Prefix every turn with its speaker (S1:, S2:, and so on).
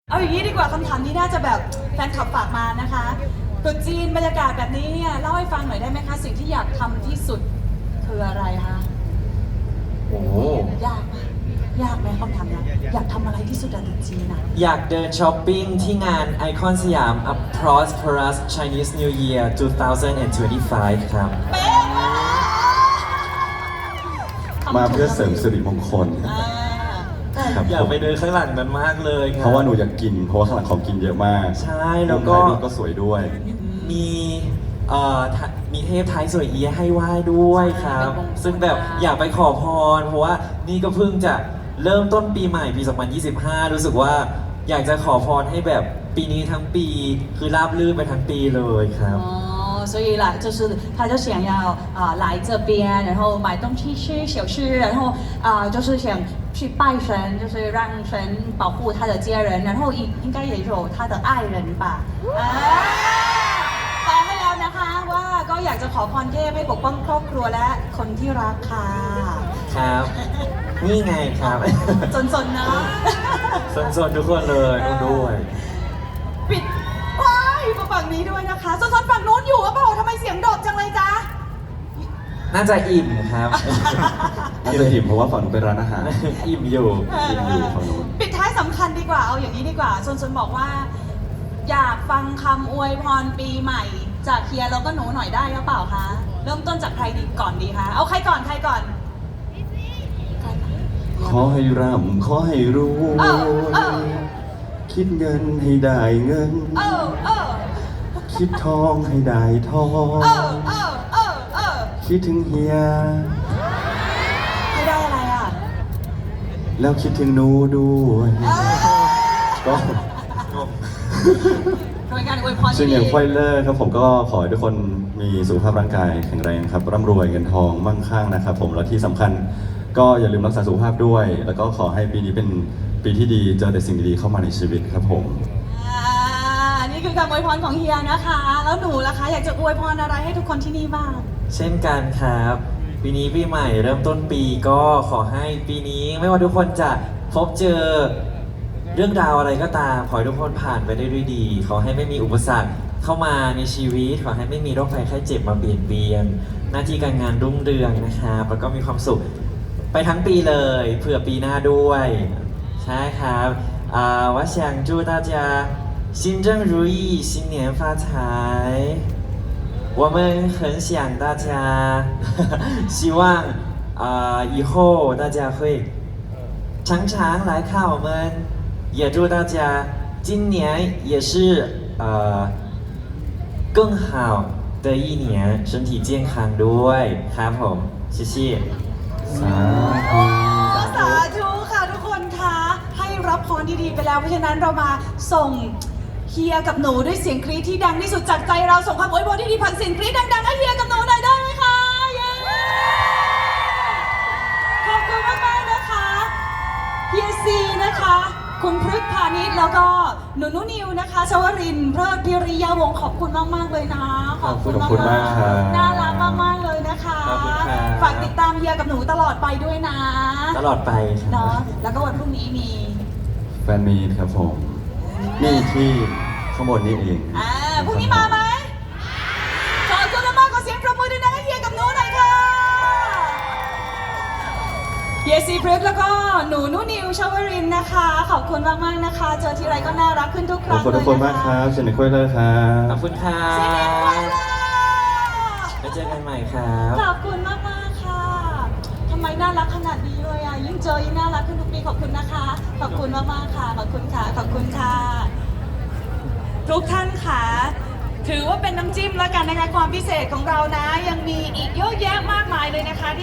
S1: เอาอย่างนี้ดีกว่าคำถามนี้น่าจะแบบแฟนคลับฝากมานะคะตรุษจีนบรรยากาศแบบนี้เนี่ยเล่าให้ฟังหน่อยได้ไหมคะสิ่งที่อยากทำที่สุดคืออะไรคะ
S2: โอ้
S1: ยากไหมยากไหมคำถามนี้อยากทำอะไรที่สุดอะตรุษจีนอะ
S2: อยากเดินช้อปปิ้งที่งานไอคอนสยาม A Prosperous Chinese New Year 2025 ครับ
S1: เป๊ะมาก
S3: มาเพื่อเสริมสิริมงคล ครับ
S2: อยากไปเดินข้างหลังนั้นมากเลยค
S3: เพ
S2: รับ
S3: ราะว่าหนูอยากกิน เพราะว่าข้างหลังของกินเยอะมาก
S2: ใช่แล้วก็
S3: ถ่ายรูปก็สวยด้วย
S2: มีมีเทพไทยสวยเอียะให้ไหว้ด้วยครับ ซึ่งแบบอยากไปขอพร เพราะว่านี่ก็เพิ่งจะเริ่มต้นปีใหม่ปี 2025 รู้สึกว่าอยากจะขอพรให้แบบปีนี้ทั้งปีคือราบรื่นไปทั้งปีเลยครับ
S1: 哦，所以啦，就是他就想要来这边，然后买东西吃小吃，然后就是想去拜神，就是让神保护他的家人，然后应该也有他的爱人吧。แปลให้แล้วนะคะว่าก็อยากจะขอพรเทพให้ปกป้องครอบครัวและคนที่รักค่ะ
S2: ครับ นี่ไงครับ
S1: สนๆเนาะ
S2: สนๆทุกคนเลยนู่นด้วย
S1: ปิดว้ายมาฝั่งนี้ด้วยนะคะสนๆฝั่งนู้นอยู่หรือเปล่าทำไมเสียงโดดจังเลยจ๊ะ
S2: น่าจะอิ่มครับ
S3: น่าจะอิ่มเพราะว่าฝั่งหนูเป็นร้านอาหาร
S2: อิ่มอยู่
S3: อิ่มอยู่ฝั่งนู้น
S1: ปิดท้ายสำคัญดีกว่าเอาอย่างนี้ดีกว่าสนๆบอกว่า อยากฟังคำอวยพรปีใหม่ จากเฮียแล้วก็หนูหน่อยได้หรือเปล่าคะเริ่มต้นจากใครดีก่อนดีคะเอาใครก่อนใครก่อนใครก่อน
S3: ขอให้ร่ำขอให้รว
S1: เออเออ
S3: ยคิดเงินให้ได้เงิน
S1: เออเออ
S3: คิดทองให้ได้ทอง
S1: เออเออเออเออ
S3: คิดถึงเฮีย
S1: ไม่ได้อะไรอ่ะ
S3: แล้วคิดถึงหนูด้วย ก็
S1: โดยการอวยพร
S3: ซึ่ง
S1: ที่
S3: อย่าง
S1: ดี
S3: ไฟเลอร์ครับผมก็ขอให้ทุกคนมีสุขภาพร่างกายแข็งแรงครับร่ำรวยเงินทองมั่งคั่งนะครับผมแล้วที่สำคัญก็อย่าลืมรักษาสุขภาพด้วย แล้วก็ขอให้ปีนี้เป็นปีที่ดีเจอแต่สิ่งดีๆเข้ามาในชีวิตครับผม
S1: นี่คือคำอวยพรของเฮียนะคะ แล้วหนูล่ะคะ อยากจะอวยพรอะไรให้ทุกคนที่นี่บ้าง
S2: เช่นกันครับ ปีนี้ปีใหม่เริ่มต้นปีก็ขอให้ปีนี้ไม่ว่าทุกคนจะพบเจอเรื่องราวอะไรก็ตาม ขอให้ทุกคนผ่านไปได้ด้วยดี ขอให้ไม่มีอุปสรรคเข้ามาในชีวิต ขอให้ไม่มีโรคภัยไข้เจ็บมาเบียดเบียน หน้าที่การงานรุ่งเรืองนะครับแล้วก็มีความสุขไปทั้งปีเลยเผื่อปีหน้าด้วย ใช่ครับ我想祝大家心正如意新年发财我们很想大家希望以后大家会常常来看我们也祝大家今年也是更好的一年身体健康ด้วยครับผม谢谢
S3: สาธุ
S1: สาธุค่ะทุกคนคะให้รับพรดีๆไปแล้วเพราะฉะนั้นเรามาส่งเฮียกับหนูด้วยเสียงกรี๊ดที่ดังที่สุดจากใจเราส่งคำอวยพรที่ดีผ่านเสียงกรี๊ดดังๆให้เฮียกับหนูหน่อยได้ไหมคะเย้ขอบคุณมากๆนะคะเฮียซีนะคะ คุณพฤกษ์พาณิชย์แล้วก็หนูนุนิวนะคะชวรินทร์เพลิดพิริยาวงศ์ขอบคุณมากๆเลยนะ
S3: ขอบคุณมากครับ
S1: น่ารักมากๆเลยนะคะ
S2: ขอบคุณครับ
S1: ฝากติดตามเฮียกับหนูตลอดไปด้วยนะ
S2: ตลอดไปครั
S1: เนาะ
S2: บ
S1: แล้วก็วันพรุ่งนี้มี
S3: แฟนมีตครับผม นี่ที่ข้างบนนี้เอง
S1: พรุ่งนี้มาไหมขอบคุณมากๆขอเสียงปรบมือด้วยนะให้เฮียกับหนูหน่อยค่ะเฮียซีพฤกษ์แล้วก็หนูนุนิวชวรินทร์นะคะ ขอบคุณมากๆนะคะ เจอทีไรก็น่ารักขึ้นทุกค
S3: ขอบ
S1: รั้ง
S3: คุณทุกคนมากครับเชนนิควยเลอร์ครั
S2: ข
S3: บ
S2: อบคุณครั
S1: เช่นเดียวกัน
S2: บ
S1: ล่ะ
S2: ไว้เจอกันใหม่ครับ
S1: ขอบคุณมากๆค่ะทำไมน่ารักขนาดนี้เลยอ่ะยิ่งเจอยิ่งน่ารักขึ้นทุกปีขอบคุณนะคะ ขอบคุณมากๆค่ะ ขอบคุณค่ะ ขอบคุณค่ะ ทุกท่านค่ะ ถือว่าเป็นน้ำจิ้มแล้วกันนะคะความพิเศษของเรานะ ยังมีอีกเยอะแยะมากมายเลยนะคะ